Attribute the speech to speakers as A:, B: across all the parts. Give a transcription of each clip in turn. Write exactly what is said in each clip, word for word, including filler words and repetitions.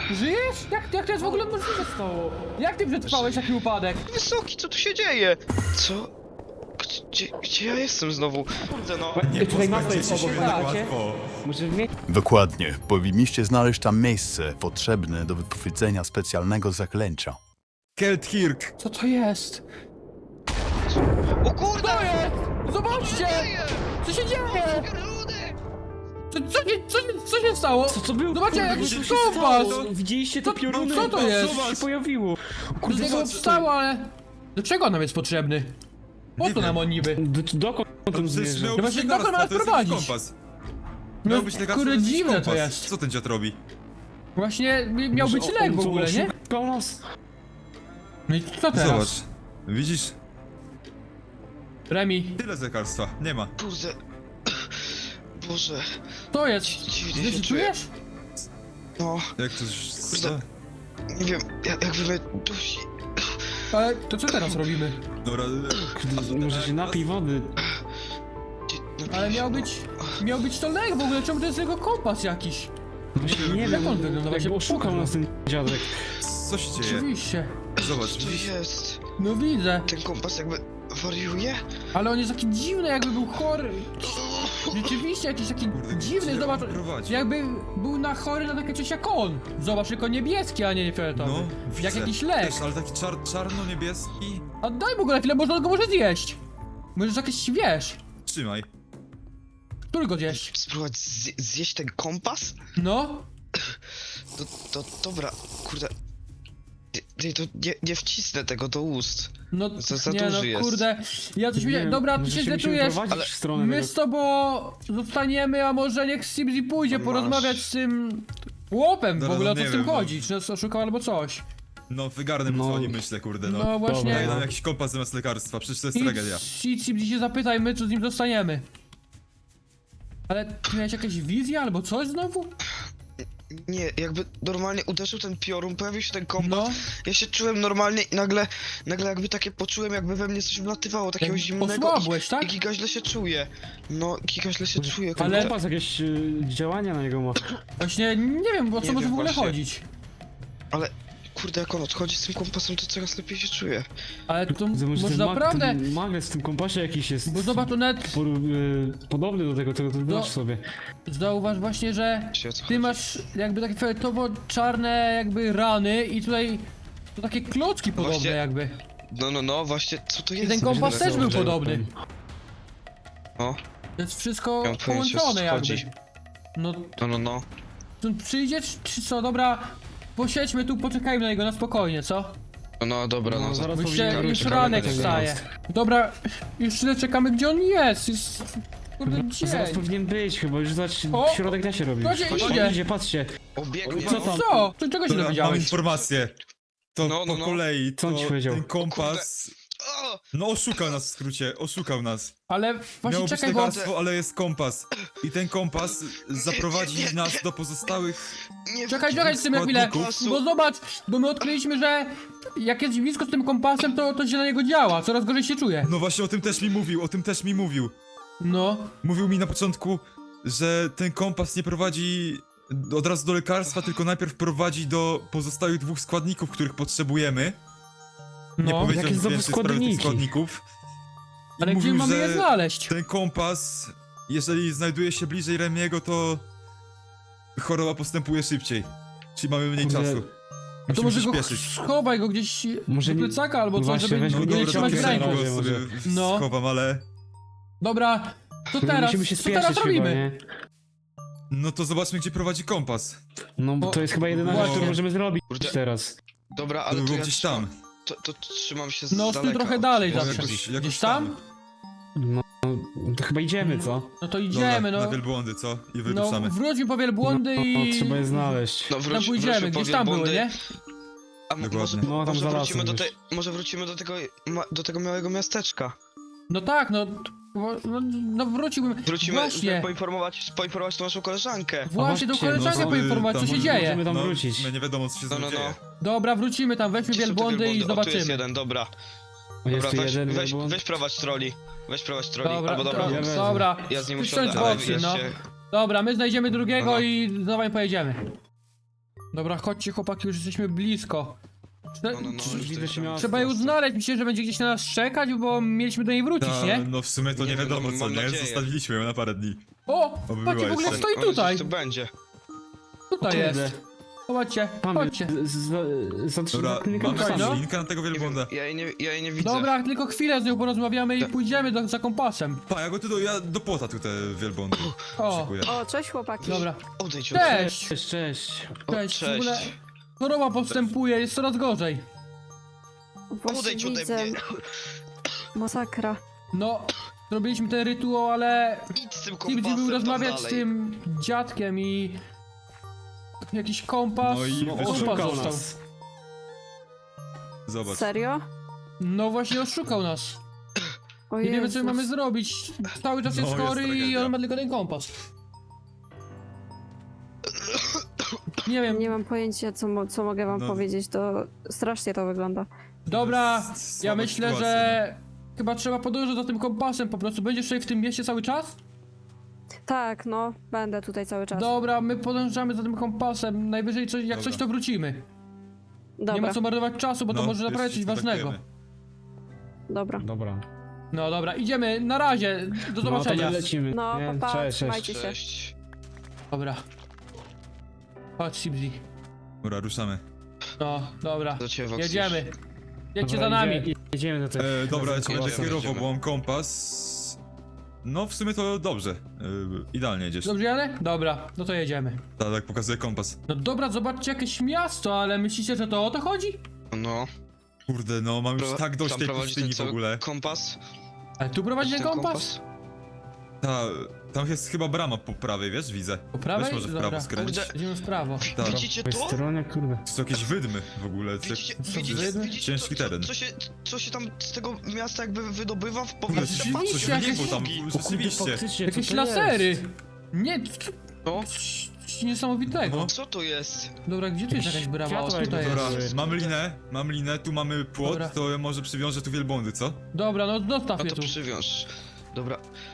A: Żyjesz? Jak, jak to jest w ogóle możliwe stało? Jak ty przetrwałeś taki upadek?
B: Wysoki, co tu się dzieje? Co? Gdzie, gdzie ja jestem znowu? Kurde no.
C: Nie
D: Tutaj mapa
C: pozbędziecie
D: jest
C: się
D: obok,
C: tak
D: macie?
C: łatwo.
D: Może w mie-
E: Dokładnie. Powinniście znaleźć tam miejsce potrzebne do wypowiedzenia specjalnego zaklęcia.
C: Kelthirk!
A: Co to jest?
B: O kurde!
A: Co jest? Zobaczcie! Co się dzieje? Co, co, się, co, się, co się stało?
D: Co to było?
A: Zobaczcie,
D: Kurde,
A: jakiś
D: co się
A: kompas!
D: stało? Widzieliście te
A: Co-
D: pioruny?
A: co to jest?
D: Co się pojawiło?
A: Z
D: Kurde,
A: niego
D: co to
A: wstało, ale... Do czego nam jest potrzebny? Po
C: Nie
A: co nam
C: wiem.
A: on niby?
D: Do, dokąd on
C: Przecież
D: zmierza?
C: miał
A: No
C: być
A: właśnie,
C: lekarstwo,
A: dokąd ma
C: to jest
A: prowadzić?
C: jakiś kompas.
A: No,
C: Miał być lekarstwo,
A: kurde,
C: to jest jakiś
A: dziwne to
C: kompas.
A: jest.
C: Co ten dziad robi?
A: Właśnie mi- miał
D: Może
A: być
D: on
A: lek w
D: to
A: ogóle, nie?
D: oszukał nas?
A: No i co teraz?
C: Zobacz. Widzisz?
A: Remi,
C: Tyle z lekarstwa. Nie ma.
B: Kurde. Boże.
A: to jest?
B: Dziwnie
A: Ty
B: się
A: się
B: czuję.
A: czujesz?
B: No,
C: Jak to... już-
B: Kurde. nie wiem, jak, jakby mnie dusi.
A: Ale to co teraz robimy?
C: Dobra...
D: Kurde, może się napij wody.
B: Gdzie- napiję
A: Ale
B: się,
A: miał
B: no.
A: być... Miał być to lek w ogóle, czemu to jest jego kompas jakiś?
D: Właśnie nie
A: Jak
D: wiem,
A: on wygląda? Właśnie
D: jakby oszukał
A: pokaż
D: nas ten dziadek.
C: Co się dzieje?
A: Oczywiście.
C: Zobacz.
B: Co to jest?
A: No widzę.
B: Ten kompas jakby wariuje?
A: Ale on jest taki dziwny, jakby był chory. Rzeczywiście jakiś taki
C: Kurde,
A: dziwny,
C: gdzie
A: zobacz.
C: on prowadzi?
A: Jakby był na chory na takie coś jak on. Zobacz, tylko niebieski, a nie fioletowy.
C: No,
A: Jak
C: widzę.
A: jakiś lek.
C: Też, ale taki czar czarno-niebieski.
A: A daj mu go na chwilę, może on go może zjeść. Możesz jakieś, wiesz.
C: Trzymaj.
A: Który go zjeść?
B: Spróbować zje zjeść ten kompas?
A: No?
B: To, to dobra, kurde. Nie, nie, to nie, nie wcisnę tego do ust.
A: No,
B: Za- za
A: nie
B: duży
A: no,
B: jest.
A: kurde. Ja coś
D: Nie
A: widziałem.
D: wiem,
A: Dobra, ty
D: może
A: się
D: musimy
A: zdecydujesz.
D: prowadzić
B: ale
D: w stronę
A: My
D: tego-
A: z tobą zostaniemy, a może niech Sibzi pójdzie
B: Masz.
A: porozmawiać z tym chłopem w
C: Dobra,
A: ogóle,
C: no
A: o co
C: nie
A: z tym
C: wiem, no.
A: chodzi, czy nas oszukał albo coś.
C: No, wygarnę mu
D: No.
C: dzwoni, myślę, kurde, no.
A: No właśnie.
C: Daję
D: Dobra.
C: nam jakiś kompas zamiast lekarstwa, przecież to jest tragedia.
A: Idź, idź Sibzi się zapytaj, my co z nim dostaniemy. Ale ty miałeś jakieś wizje albo coś znowu?
B: Nie, jakby normalnie uderzył ten piorun, pojawił się ten kompas.
A: No.
B: Ja się czułem normalnie i nagle, nagle jakby takie poczułem, jakby we mnie coś wlatywało, takiego
A: Jak
B: zimnego
A: osłabłeś,
B: i,
A: tak?
B: i giga źle się czuję. No, giga źle się czuję,
D: Ale
B: kurde.
D: kompas jakieś y, działania na niego ma.
A: Właśnie nie wiem, o co
B: Nie
A: może
B: wiem
A: w ogóle
B: właśnie.
A: chodzić.
B: Ale, kurde, jak on odchodzi z tym kompasem, to coraz lepiej się czuję.
A: Ale to
D: To może
A: może
D: ten, mag,
A: naprawdę...
D: ten magnes w tym kompasie jakiś jest
A: Bo zobacz, to nawet
D: por, y, podobny do tego, tego, tego
A: No.
D: masz sobie.
A: zauważ właśnie, że
B: Wiecie, o co
A: ty
B: chodzi?
A: masz jakby takie fioletowo-czarne jakby rany i tutaj to takie klocki podobne
B: Właśnie-
A: jakby.
B: No, no, no, właśnie, co to
A: I
B: jest?
A: ten kompas
B: Kurde,
A: też był
B: kurde.
A: podobny.
B: No,
A: To jest wszystko
B: miałem pojęcie, o co
A: połączone jakby.
B: chodzi.
A: No,
B: No, no, no.
A: tu przyjdziesz czy co, dobra, posiedźmy tu, poczekajmy na niego na spokojnie, co?
B: No, no, dobra,
D: No,
B: no.
D: zaraz
A: Bo
D: powinien
A: się
D: wrócić.
A: już
B: czekamy
A: ranek
B: na niego.
A: wstaje. Dobra, już tyle czekamy, gdzie on jest. Jest, kurde,
D: Zaraz
A: dzień.
D: powinien być chyba, już zobacz,
A: O!
D: środek da się robi.
A: To się
D: On
A: idzie.
D: idzie, patrzcie.
B: Obiegnie.
D: Co tam?
A: Co? To czego się
C: Dobra, mam
A: dowiedziałeś?
C: informację. To
B: No, no,
C: po
B: no.
C: kolei,
D: Co on
C: to
D: ci powiedział?
C: ten kompas...
B: O!
C: No oszukał nas w skrócie, oszukał nas.
A: Ale
C: Miało
A: właśnie
C: być
A: czekaj, bo...
C: lekarstwo, ale jest kompas. I ten kompas zaprowadzi nas do pozostałych...
B: Nie
A: Czekaj, czekaj z tym na chwilę,
B: Składników.
A: bo zobacz, bo my odkryliśmy, że jak jest blisko z tym kompasem, to, to się na niego działa, coraz gorzej się czuje.
C: No właśnie o tym też mi mówił, o tym też mi mówił.
A: No,
C: Mówił mi na początku, że ten kompas nie prowadzi od razu do lekarstwa, tylko najpierw prowadzi do pozostałych dwóch składników, których potrzebujemy. Nie
A: no,
C: powiedział
D: jakie
C: nic
D: znowu
C: więcej w sprawie tych
D: składniki?
C: składników. I
A: ale gdzie
C: mówił,
A: mamy je
C: że
A: znaleźć?
C: ten kompas, jeżeli znajduje się bliżej Remiego, to choroba postępuje szybciej. Czyli mamy mniej
D: Kurde,
C: czasu.
A: To
C: Musimy
A: może
C: się
A: go
C: śpieszyć.
A: schowaj go gdzieś
D: Może
A: do
D: nie-
A: plecaka albo
D: no
A: coś,
D: właśnie,
A: żeby
D: weź
C: No
D: go
A: nie
D: do
C: dobra,
A: trzymać w
C: to
D: kieszeni
A: ręku.
C: go
D: może.
C: sobie w-
A: No.
C: schowam, ale...
A: Dobra, to
D: To
A: teraz,
D: musimy się
A: co
D: spieszyć
A: teraz
D: chyba,
A: robimy?
D: nie?
C: No to zobaczmy, gdzie prowadzi kompas.
D: No bo
A: O,
D: to jest chyba jedyna rzecz,
A: właśnie.
D: którą możemy zrobić
B: Kurde.
D: teraz.
B: Dobra,
C: To
B: ale
C: by
B: to
C: było
B: ja
C: gdzieś
B: trzymam,
C: tam.
B: to, to trzymam się z
A: No, z tym
B: daleka
A: trochę
B: od-
A: dalej
B: od-
A: zawsze.
C: Jakoś- jakoś
A: Gdzieś tam?
D: No, to chyba idziemy, co?
A: No to
C: Dobra,
A: idziemy,
C: na
A: no.
C: wielbłądy, co? I
A: No,
C: wyruszamy.
A: wróćmy po wielbłądy
D: No,
A: i...
D: trzeba je znaleźć.
B: No
A: Tam
B: wróć,
A: pójdziemy,
B: wróćmy
A: gdzieś
B: po
A: tam były,
B: wielbłądy.
A: nie?
B: A m-
C: Dokładnie.
B: może,
D: No, tam
B: może
D: za
B: wrócimy do
D: lasem
B: tej, może wrócimy do tego, ma, do tego małego miasteczka.
A: No tak, no... bo- No, no wróciłbym...
B: Wrócimy,
A: Właśnie,
B: żeby poinformować, poinformować tą naszą koleżankę.
A: właśnie do
D: właśnie, no,
A: koleżanki
D: no,
A: poinformować, co
C: tam
A: się
C: może-
A: dzieje.
D: Możemy tam
C: No,
D: wrócić.
C: my nie wiadomo, co się z
B: No,
C: nim
B: no,
C: dzieje.
B: no.
A: Dobra, wrócimy tam, weźmy
B: Gdzie są te
A: wielbłądy i
B: wielbłądy? O, tu jest
A: zobaczymy.
B: jeden, dobra.
D: O, jest
B: Dobra,
D: tu
B: weź,
D: jeden
B: weź,
D: wielbłąd.
B: weź prowadź troli. Weź prowadź troli,
A: Dobra,
B: albo dobra.
A: to,
D: Ja wezmę.
A: dobra.
B: Ja z nim
A: Wsiądź
B: usiądę,
A: w
B: ale
A: opcji,
B: wiesz
A: no.
B: się...
A: Dobra, my znajdziemy drugiego
B: No, no.
A: i znowu pojedziemy. Dobra, chodźcie chłopaki, już jesteśmy blisko. Trze-
B: No, no, no,
A: trze-
B: już
D: widzę
B: tutaj
D: się miała-
A: Trzeba ją znaleźć, myślę, że będzie gdzieś na nas czekać, bo mieliśmy do niej wrócić,
C: Ta,
A: nie?
C: no w sumie to nie,
B: Nie wiem,
C: wiadomo
B: no,
C: co,
B: mam
C: nie?
B: nadzieję.
C: Zostawiliśmy ją na parę dni.
A: O!
C: Oby
A: Patrzcie,
C: była
A: w ogóle
C: jeszcze.
A: stoi
B: Ona
A: tutaj!
B: gdzieś tu będzie.
A: Tutaj
D: Kurde.
A: jest. Zobaczcie,
D: Mamy,
A: chodźcie.
D: z- z- za trzy
C: Dobra,
D: za tylnymi
C: mamy
D: kompasami.
A: no.
C: jakąś linkę na tego
B: Nie wiem,
C: wielbłąda.
B: ja jej nie, ja jej nie widzę.
A: Dobra, tylko chwilę z nią porozmawiamy i
C: Tak.
A: pójdziemy do, za kompasem.
C: Pa, ja go tu do, ja do płota tu te wielbłądy
A: O,
C: szykuję.
F: O, cześć chłopaki.
A: dobra.
B: Odejdź od
A: Cześć!
D: Cześć, cześć.
B: O,
A: Cześć, w
B: cześć.
A: ogóle choroba postępuje, jest coraz gorzej.
F: Właśnie
B: Odejdź ode
F: widzę.
B: mnie.
F: Masakra.
A: No, zrobiliśmy ten rytuał, ale
B: Idź z tym
A: Tibzi
B: kompasem
A: był
B: tam
A: rozmawiać z
B: dalej.
A: tym dziadkiem i... Jakiś kompas
C: No i
D: No,
C: wyszło.
A: kompas
D: oszukał
A: został.
D: nas.
C: Zobacz.
F: Serio?
A: No właśnie oszukał nas.
F: O
A: Nie wiemy co
F: Jezus.
A: mamy zrobić. Cały czas
C: No,
A: jest
C: jest
A: chory i
C: tragedia.
A: on ma tylko ten kompas. Nie wiem,
F: Nie mam pojęcia, co, mo- co mogę wam
C: No.
F: powiedzieć. To strasznie to wygląda.
A: dobra,
C: Jest
A: ja
C: słaba
A: myślę,
C: sytuacja,
A: że chyba trzeba podążać za tym kompasem po prostu. Będziesz tutaj w tym mieście cały czas?
F: Tak, no, będę tutaj cały czas.
A: Dobra, my podążamy za tym kompasem. Najwyżej coś, jak
C: Dobra.
A: coś to wrócimy.
F: Dobra,
A: Nie ma co marnować czasu, bo to
C: No,
A: może naprawdę
C: jeszcze
A: coś
C: ci
A: ważnego.
C: kontaktujemy.
F: dobra.
D: Dobra.
A: No dobra, idziemy, na razie, do
D: No to
A: zobaczenia.
D: my lecimy.
F: No,
D: nie?
F: pa, pa,
D: Cześć, cześć.
F: trzymajcie się.
B: Cześć.
A: Dobra. Chodź, Sibzi.
C: Dobra, ruszamy.
A: No, dobra.
B: Do ciebie, Voxy.
A: Jedziemy. Jedźcie
D: Dobra,
A: za nami.
D: Jedziemy, jedziemy do tego.
C: E, dobra, ja
D: do
C: cię będę
B: Jedziemy,
C: kierował,
B: jedziemy.
C: bo mam kompas. No w sumie to dobrze. E, idealnie jedziesz.
A: Dobrze, Janek? Dobra, no to jedziemy.
C: Tak, tak pokazuje kompas.
A: No dobra, zobaczcie jakieś miasto, ale myślicie, że to o to chodzi?
B: No.
C: Kurde, no mam już
B: Pro-
C: tak dość
B: tam
C: tej
B: prowadzi
C: pustyni
B: ten
C: w
B: cały
C: ogóle.
B: Kompas?
A: Ale tu prowadzi ten kompas?
C: Ta, tam jest chyba brama po prawej, wiesz, widzę.
A: Po prawej?
C: Weź może w
A: Dobra.
C: prawo skręć.
B: Kurde.
A: Idziemy w prawo.
C: Tak.
B: Widzicie
D: Po tej
B: to?
D: stronie, kurde.
C: To są jakieś wydmy w ogóle. co-
B: Widzicie,
A: Co,
B: widzicie,
A: wydmy?
B: widzicie
C: Ciężki
B: co,
C: teren.
B: co, co, się, co się tam z tego miasta jakby wydobywa w
C: Kurde,
B: powietrze?
C: coś,
A: Patrzcie,
C: coś
A: jakieś-
C: wynikło tam,
B: O
D: O kurde,
C: rzeczywiście.
D: faktycznie, co
A: Jakieś
D: to
A: lasery!
D: jest?
A: Nie,
B: No.
A: coś niesamowitego.
C: No.
B: Co to jest?
A: Dobra, gdzie tu jest jakaś brama? O,
D: Światła
A: tutaj
D: jakby
A: jest.
C: Dobra,
D: Jest.
C: mam linę, mam linę, tu mamy płot,
A: Dobra.
C: to ja może przywiążę tu wielbłądy, co?
A: Dobra, no zostaw
B: No
A: mnie
B: to
A: tu.
B: przywiąż. Dobra.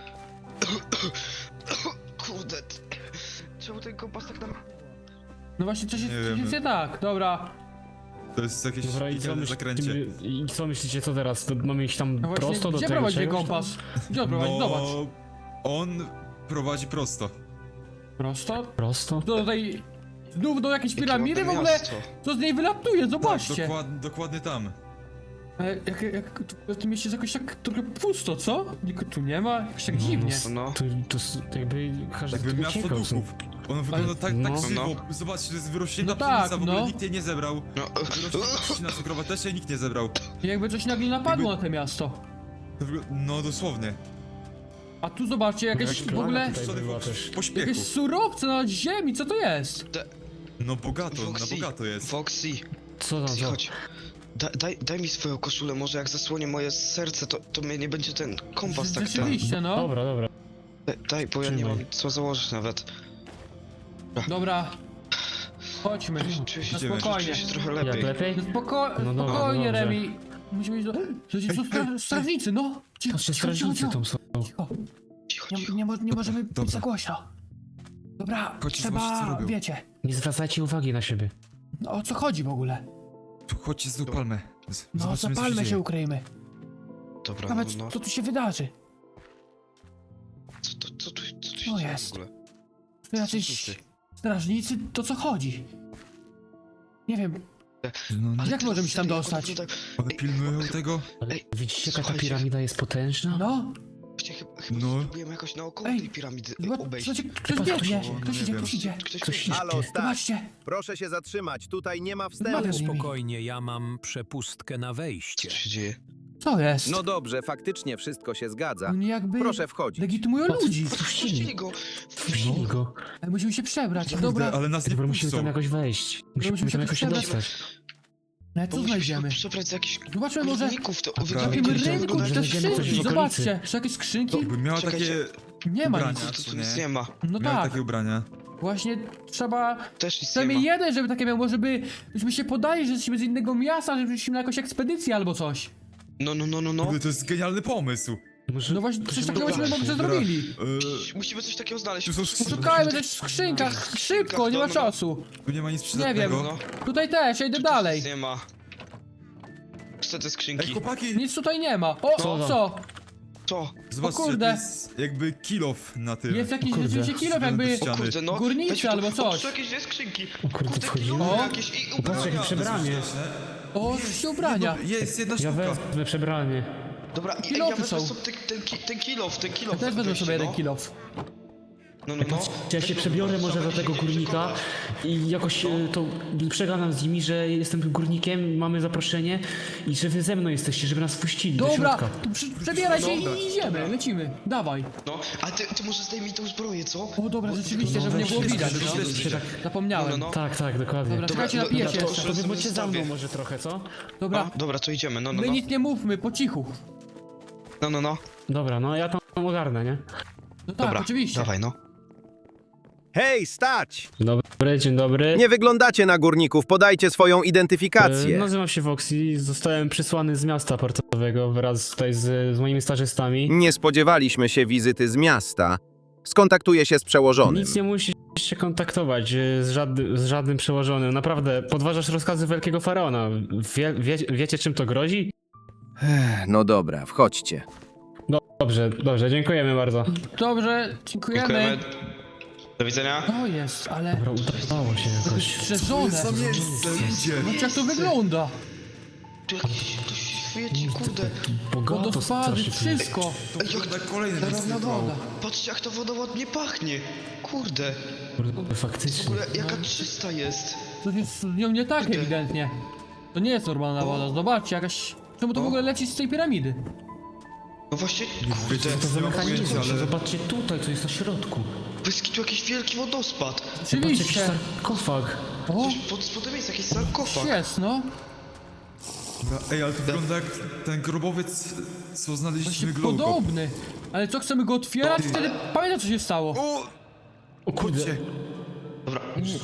B: Kurde. Czemu ten kompas tak nam...
A: No właśnie, coś jest,
C: Nie
A: coś
C: wiem.
A: jest nie tak. Dobra.
C: To jest jakieś
D: Dobra, i co,
C: piekielne zakręcie.
D: myślicie, I co myślicie, co teraz? To mamy iść tam
A: No właśnie,
D: prosto do
A: gdzie
D: tego
A: prowadzi ten
D: czegoś tam?
A: kompas? Gdzie on prowadzi? Zobacz.
C: No, on prowadzi prosto.
A: Prosto?
D: Prosto?
A: Do tej... Znów do jakiejś
B: Jakie
A: piramidy w
B: ładne
A: ogóle?
B: miasto.
A: Co z niej wylatuje?
C: Tak,
A: Zobaczcie.
C: dokład, dokładnie tam.
A: Ale jak, jak, tu- w tym mieście jest jakoś tak trochę pusto, co? Nikogo tu nie ma? Jakoś tak
D: No,
A: dziwnie.
B: No.
D: To, to s- jakby każdy
C: Jakby miasto
D: uciekał
C: duchów.
D: stąd.
C: On wygląda
A: Ale-
C: tak, tak
D: no.
C: żywo. Zobaczcie, to jest wyrośnięta
A: No tak,
C: pszenica, w ogóle
A: no.
C: nikt jej nie zebrał.
B: No.
C: Wyrośnięta trzcina cukrowa też jej nikt nie zebrał.
A: I jakby coś nagle napadło
C: Jakby-
A: na to miasto.
C: To wygl- no dosłownie.
A: A tu zobaczcie, jakieś
D: Jakaś
A: w
D: plaga
A: ogóle...
D: tutaj
C: Puszczony
D: była
C: w
D: też.
C: pośpiechu.
A: Jakieś surowce na ziemi, co to jest?
C: No bogato,
B: Foxy,
C: na bogato jest.
B: Foxy,
D: Co tam,
B: Foxy,
D: co?
B: chodź. Da, daj, daj mi swoją koszulę, może jak zasłonię moje serce, to, to mnie nie będzie ten kompas tak ten.
A: Rzeczywiście, no.
D: Dobra, dobra.
B: Daj, daj, bo ja nie
D: Trzymaj.
B: mam co założyć nawet.
A: Dobra. Chodźmy.
B: Czuję się,
A: Na
C: Idziemy.
A: spokojnie.
B: czuję się trochę
D: Jak
B: lepiej.
D: lepiej?
A: No spoko
D: No dobra,
A: spokojnie,
D: no dobrze.
A: Remi. Musimy iść do... Słuchajcie, są stra strażnicy, no. Cicho,
D: Patrzcie,
A: cicho, cicho,
D: strażnicy
A: cicho.
D: tam są.
A: Cicho.
B: Cicho,
A: Nie,
B: cicho.
A: nie, mo nie możemy być
C: Dobra.
A: za głośno. Dobra,
C: Chodźcie, zobaczcie, co
A: trzeba...
C: robią.
A: wiecie.
D: Nie zwracajcie uwagi na siebie.
A: No, o co chodzi w ogóle?
C: Tu chodźcie z tą palmę. Z-
A: No,
C: zobaczymy, co
A: zapalmy się,
C: dzieje.
A: ukryjmy.
B: Dobra,
A: Nawet
B: no, no.
A: co tu się wydarzy.
B: Co, to, co, tu, co tu się
A: O,
B: dzieje
A: jest.
B: w ogóle?
A: To jacyś
B: Co ty?
A: strażnicy, to co chodzi? Nie wiem,
C: No, no,
A: a jak
B: Ty
A: możemy się tam
B: serio,
A: dostać?
B: one wyglądają-
C: one pilnują tego.
D: Ale
B: Ej,
D: widzicie, jaka ta
B: słuchajcie.
D: piramida jest potężna?
A: No,
B: Właśnie chyba, chyba
C: No.
B: spróbujemy jakoś naokoło
A: Ej,
B: tej piramidy
A: zobacz,
B: obejść.
A: słuchajcie, ktoś
D: Chyba
A: biegnie,
D: ktoś-
A: ktoś
C: nie
A: idzie,
C: wiem.
A: ktoś idzie.
B: Ktoś
D: Ktoś
B: biegnie.
G: Halo, stać!
A: Zobaczcie,
G: Proszę się zatrzymać, tutaj nie ma
A: Rozmawiam
G: wstępu.
A: z nimi.
H: Spokojnie, ja mam przepustkę na
B: Co
H: wejście.
B: tu się dzieje?
A: Co jest?
G: No dobrze, faktycznie wszystko się zgadza.
A: Oni jakby
G: Proszę wchodzić.
A: legitymują ludzi.
B: Wpuścili
D: Wpuścili.
B: go!
D: Wpuścili go.
A: Ale musimy się przebrać,
C: Kurde,
A: dobra.
C: ale nas nie
D: Dobra, musimy tam
C: puszczą.
D: jakoś wejść. Musimy
A: musimy
D: tam
A: się
D: jakoś się
A: przebrać.
D: dostać.
A: No
B: Bo
A: co
B: musimy się
A: znajdziemy?
B: przebrać za jakichś
A: Zobaczmy może
B: górników, to
C: A
A: w
B: wygląda
A: takim
C: Prawie
B: jak-
A: rynku
B: wygląda
A: czy
B: jak-
A: też
D: znajdziemy coś
A: skrzynki,
D: w okolicy.
A: zobaczcie. Czy jakieś skrzynki?
C: Jakby miała
B: Czekajcie.
C: takie
A: Nie ma
C: ubrania,
A: nic.
B: Tu, tu,
C: co
B: tu nic
C: nie?
B: nie ma.
A: No
C: Miała
A: tak,
C: takie ubrania.
A: właśnie trzeba...
B: Też nic nie ma.
A: Przynajmniej jeden, żeby takie miał, może by... Byśmy się podali, że jesteśmy z innego miasta, żebyśmy na jakąś ekspedycję albo coś.
B: No, no, no, no, no.
C: Kurde, to jest genialny pomysł.
D: Może...
A: No właśnie, coś takiego
D: Dobra.
A: byśmy może
C: Dobra.
A: zrobili.
C: Yy,
B: Musimy coś takiego znaleźć.
C: tu są skrzynki.
A: Szukajmy też w skrzynkach, szybko, nie ma czasu.
C: Tu nie ma nic
A: Nie
C: przydatnego.
A: wiem,
B: No,
A: tutaj też, ja idę dalej.
B: nic nie ma. Co te
C: Ej,
B: skrzynki?
C: chłopaki!
A: Nic tutaj nie ma. O,
D: Co tam?
A: co?
B: Co?
C: Zobaczcie,
A: kurde.
C: to jest jakby kill off na tym.
A: Jest jakiś
D: kurde.
A: rzeczywiście kilo jakby...
C: Ściany.
B: O kurde, no. Weźmy
A: Górnicy
B: tu-
A: albo
B: o,
A: coś.
B: tu jakieś dwie skrzynki.
D: O kurde,
B: Kurde,
D: wchodzimy?
B: kilo
A: O.
B: jakieś i
D: Patrz,
B: ubrania.
D: jakie przebranie.
A: O, się ubrania.
C: Jest jedna
D: Ja
C: sztuka.
D: wezmę przebranie.
B: Dobra, i- ej,
A: Kilofy
B: ja wezmę
A: są.
B: sobie ten, ten, ki- ten kilof, ten kilof.
A: Ja też wezmę sobie jeden
B: no.
A: kilof.
B: No, no, no.
D: Ja się przebiorę może do tego górnika i jakoś e, to przegadam z nimi, że jestem tym górnikiem, mamy zaproszenie i że wy ze mną jesteście, żeby nas wpuścili do
A: Dobra,
D: środka.
A: to przy, przebieraj się
C: Dobra.
A: i idziemy, lecimy. Dawaj.
B: No, a ty, ty może zdejmij tą zbroję, co?
A: O dobra, rzeczywiście, żeby nie było
D: weź,
A: widać,
D: weź,
A: no.
D: weź, weź, tak.
A: Zapomniałem.
B: No, no, no.
D: Tak, tak, dokładnie.
A: Dobra, czekajcie,
B: Dobra,
A: napiję
B: dobra,
A: się
B: to-
A: jeszcze.
D: To wy
B: sobie
D: bądźcie za mną
B: zostawię.
D: może trochę, co?
A: Dobra,
B: A, dobra, to idziemy, no, no,
A: my
B: no.
A: nic nie mówmy, po cichu.
B: No, no, no.
D: Dobra, no ja tam ogarnę, nie?
A: No tak,
B: Dobra,
A: oczywiście.
B: dawaj, no.
G: Hej, stać!
D: Dzień dobry, dzień dobry.
G: Nie wyglądacie na górników, podajcie swoją
D: E,
G: identyfikację.
D: Nazywam się Voxy, zostałem przysłany z miasta portowego wraz tutaj z, z moimi stażystami.
G: Nie spodziewaliśmy się wizyty z miasta. Skontaktuję się z przełożonym.
D: Nic nie musisz się kontaktować e, z, żadnym, z żadnym przełożonym. Naprawdę, podważasz rozkazy Wielkiego Faraona. Wie, wie, wiecie, czym to grozi?
G: Ech, no dobra, wchodźcie.
D: Dobrze, dobrze, dziękujemy bardzo.
A: Dobrze, dziękujemy.
B: Dziękujemy. Do widzenia.
A: To jest, ale...
D: Dobra, udało się jakoś.
A: Strzeżone.
C: Za miejsce, ludzie!
A: Zobaczcie jak to wygląda.
B: Tu jakiś, tu świeci, kurde.
D: Bogato
A: Wodospady,
D: strasznie tu jest.
A: wszystko.
C: To kurde kolejne
A: Zarówna
C: miejsce brało.
A: woda.
B: Patrzcie, jak to woda ładnie pachnie. Kurde,
D: Kurde,
B: w
D: faktycznie.
B: ogóle jaka czysta jest.
A: To jest z nią nie tak
B: Kurde.
A: ewidentnie. To nie jest normalna woda, zobaczcie, jakaś... Czemu to w
B: O.
A: ogóle leci z tej piramidy?
B: No właśnie,
C: Wiecie,
B: kurde.
D: To za
C: nie mam
D: mechanizm,
C: pojęcia, ale...
D: zobaczcie tutaj, co jest na środku.
B: Wyski tu jakiś wielki wodospad.
D: Zobaczcie, jakiś
A: Oczywiście.
D: sarkofag.
A: O,
B: Coś pod spodem jest jakiś sarkofag.
A: jest, no.
C: Dobra, ej, ale to wygląda jak ten grobowiec, co znaleźliśmy
A: Właśnie
C: Glowco.
A: podobny. Ale co, chcemy go otwierać? Wtedy pamiętam co się stało.
C: O!
D: O kurde,
C: Chodźcie.
B: Dobra.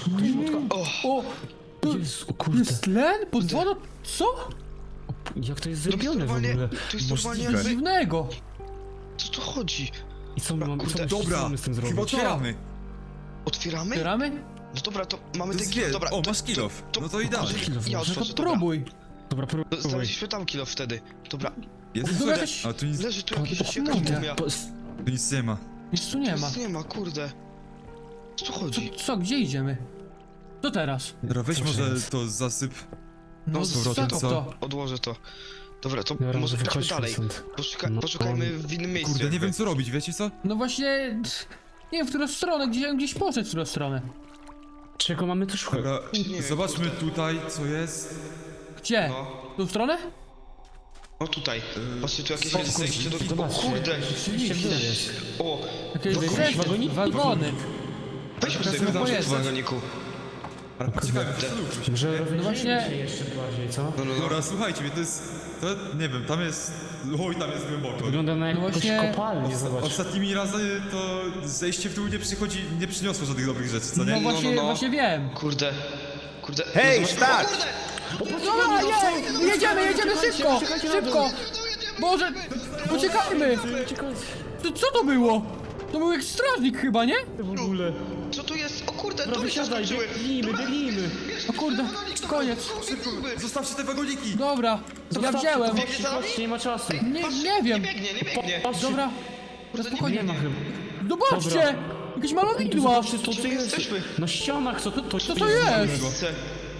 A: O, to
D: Jezu, o kurde.
A: jest tlen? Pod wodą? Co?
D: Jak to jest
B: To jest
D: zrobione w
B: normalnie,
D: ogóle?
B: to jest normalnie
C: Możliwe.
B: jakby...
A: Dziwnego.
B: Co tu chodzi?
D: I co my mamy, co,
B: Kurde,
D: co
C: Dobra,
D: mamy z tym
C: chyba
D: zrobić?
C: otwieramy.
B: Otwieramy?
A: Otwieramy?
B: No dobra, to mamy
C: To
B: ten
C: jest
B: kilof,
C: wie-
B: dobra.
C: o,
B: to-
C: masz kilof.
B: to-
C: No to idealnie.
D: Kilof,
B: Ja
D: no to
A: No to
B: otworzę, dobra.
A: próbuj.
D: Dobra, próbuj.
B: Znaleźliśmy tam kilof wtedy. Dobra,
C: Jest
A: Dobra,
C: tutaj.
A: jakaś-
C: A tu nic,
B: leży tu
A: O,
B: jakiś,
A: o,
B: jakaś
A: kurde.
B: mumia.
D: Po-
C: tu nic nie ma.
A: Nic tu nie ma.
B: Nic nie ma, kurde. Co tu
A: Co,
B: chodzi?
A: co, gdzie idziemy? Co teraz?
C: Dobra, weź
D: Co
C: może
D: jest?
C: to zasyp.
A: No,
C: z powrotem,
A: co
C: co?
A: to?
B: Odłożę to. Dobra, to
D: Dobra,
B: może
D: może
B: chodźmy
D: wychodźmy
B: dalej.
D: stąd.
B: Poszuka
D: No.
B: poszukajmy w innym miejscu.
C: Kurde, nie
B: jakby.
C: wiem co robić, wiecie co?
A: No właśnie... Nie wiem, w którą stronę, gdzie ja gdzieś poszedł w którą stronę.
D: Czego mamy tu szukać?
C: Dobra,
B: Nie,
C: zobaczmy
B: kurde.
C: tutaj, co jest.
A: Gdzie?
B: No,
A: W tą stronę?
B: no tutaj. Patrzcie, tu jakieś
C: o,
B: jest zejście do... O
D: Zobaczcie.
B: kurde!
D: Rzeczywiście gdzie jest?
B: O!
A: Jakieś
D: Jakieś
A: zejście,
D: wagoniki?
A: wagony.
B: Weźmy
A: Teraz
B: sobie
A: chyba
B: w
A: jest.
B: wagoniku.
C: Ale poczekajmy, zastanówmy się.
D: Może rozejrzyjmy
A: właśnie-
D: się jeszcze bardziej, co?
B: No, no, no.
C: Dobra, słuchajcie mnie, to jest... To, nie wiem, tam jest... Oj, tam jest głęboko.
D: Wygląda na jakąś
A: właśnie-
D: kopalnię, zobacz.
C: Ostatnimi razy to zejście w dół nie przychodzi, nie przyniosło żadnych dobrych rzeczy, co nie?
A: No właśnie,
B: no, no.
A: właśnie wiem.
B: Kurde. Kurde.
G: Hej,
B: no, zobacz-
G: stać!
B: O kurde!
A: Dobra, je, jedziemy, jedziemy szybko, szybko. Boże, uciekajmy. To, co to było? To był jak strażnik chyba, nie?
D: W ogóle.
B: Co tu jest? O kurde,
D: Dobra,
B: to się
D: wysiadaj,
B: skończyły.
D: biegnijmy, biegnijmy.
A: O kurde, koniec.
C: Zostawcie te wagoniki!
A: Dobra, ja wziąłem.
B: Biegnie za nami?
D: Chodźcie, nie ma czasu.
A: Nie, nie
B: Nie
A: wiem.
B: biegnie, nie biegnie.
D: Patrzcie,
A: Dobra,
B: Kurde, nie
A: spokojnie.
D: nie ma chyba.
A: Zobaczcie, jakieś malowidła.
D: Zobaczcie, co
B: Gdzie
D: tu jest.
B: jesteśmy?
D: Na ścianach, co to, to,
A: Co to jest?
B: Miejsce.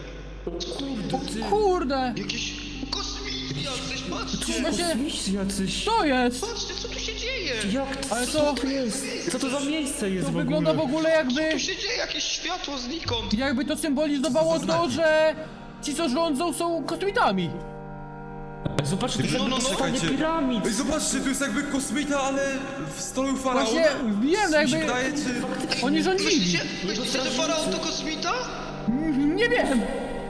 A: Kurde,
B: Jakieś kosmiki jacyś, patrzcie.
A: właśnie,
D: Kosmici jacyś.
A: co jest?
B: Patrzcie, co tu się dzieje?
D: Jak to,
A: Ale
D: co
A: to-
D: to jest? Co to za miejsce jest
A: To
D: w ogóle?
A: wygląda w ogóle jakby,
B: Tu się dzieje jakieś światło znikąd.
A: jakby to symbolizowało to, że ci co rządzą są kosmitami.
D: Zobaczcie, to jest
B: No,
D: jakby
B: no, no.
D: powstanie
C: Słuchajcie.
D: piramid.
C: Ej, zobaczcie, tu jest jakby kosmita, ale w stolu faraona.
A: Właśnie wiem,
C: Mi się
A: jakby
C: wydaje, czy...
A: oni rządzili.
B: Myślicie, myślicie, że faraon to kosmita?
A: Nie wiem,